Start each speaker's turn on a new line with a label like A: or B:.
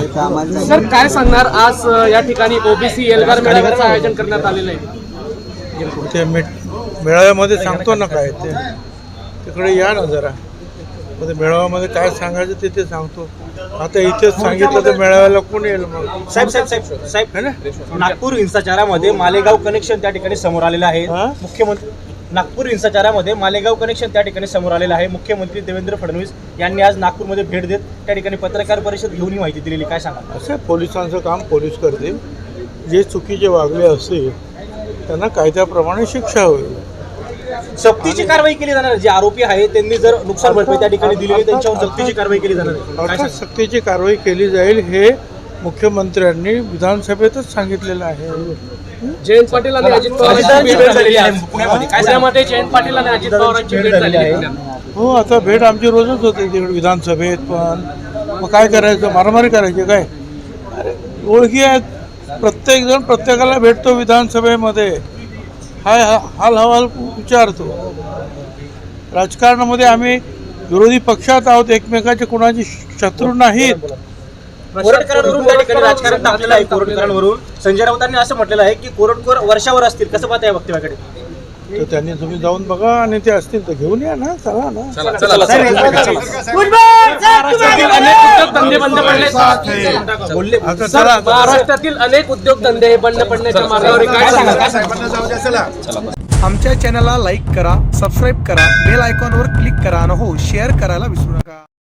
A: Sir काय सांगणार आज या ठिकाणी ओबीसी एल्गार मेळाव्याचं आयोजन करण्यात आलेलं आहे?
B: ते मेळाव्यामध्ये सांगतो ना काय ते, तिकडे या ना जरा. ते मेळाव्यामध्ये काय सांगायचं ते सांगतो. आता इथेच सांगितलं तर मेळाव्याला कोण येईल मग?
C: साहेब नागपूर हिंसाचारामध्ये मालेगाव कनेक्शन त्या ठिकाणी समोर आलेलं आहे. मुख्यमंत्री नागपूर हिंसाचारामध्ये मालेगाव कनेक्शन त्या ठिकाणी समोर आलेलं आहे. मुख्यमंत्री देवेंद्र फडणवीस यांनी आज नागपूरमध्ये भेट देत त्या ठिकाणी पत्रकार परिषद घेऊन ही माहिती दिलेली. काय सांगा?
B: असं पोलिसांचं काम पोलीस करतील. जे चुकीचे वागले असतील त्यांना कायद्याप्रमाणे शिक्षा होईल.
C: सक्तीची कारवाई केली जाणार. जे आरोपी आहे त्यांनी जर नुकसान भरपाई त्या ठिकाणी दिली आहे त्यांच्यावर सक्तीची कारवाई केली जाणार आहे.
B: अर्थात सक्तीची कारवाई केली जाईल हे मुख्यमंत्र्यांनी विधानसभेतच सांगितलेलं आहे.
A: जयंत पाटील आणि अजित पवारांची भेट झालेली आहे पुण्यामध्ये. जयंत पाटील आणि अजित पवारांची भेट झालेली आहे.
B: हो, आता भेट आमची रोजच होते तिकडे विधानसभेत. पण मग काय करायचं? मारामारी करायची काय? अरे ओळखी आहेत, प्रत्येक जण प्रत्येकाला भेटतो विधानसभेमध्ये, हाल हवाल विचारतो. राजकारणामध्ये आम्ही विरोधी पक्षात आहोत, एकमेकाचे कोणाचे शत्रू नाहीत.
C: कोरटकरांवरून त्या ठिकाणी राजकारण टाकलेलं आहे. कोरटकरांवरून संजय राऊतांनी असं म्हटलेलं आहे की कोरटकर वर्षावर असतील. कसं पाहता या वक्तव्याकडे?
B: तर त्यांनी तुम्ही जाऊन बघा आणि ते असतील तर घेऊन या ना. चला ना.
A: महाराष्ट्रातील अनेक उद्योगधंदे हे बंद पडण्याच्या मार्गावर काय सांगा?
D: आमच्या चॅनलला लाईक करा, सबस्क्राईब करा, बेल आयकॉनवर क्लिक करा आणि हो शेअर करायला विसरू नका.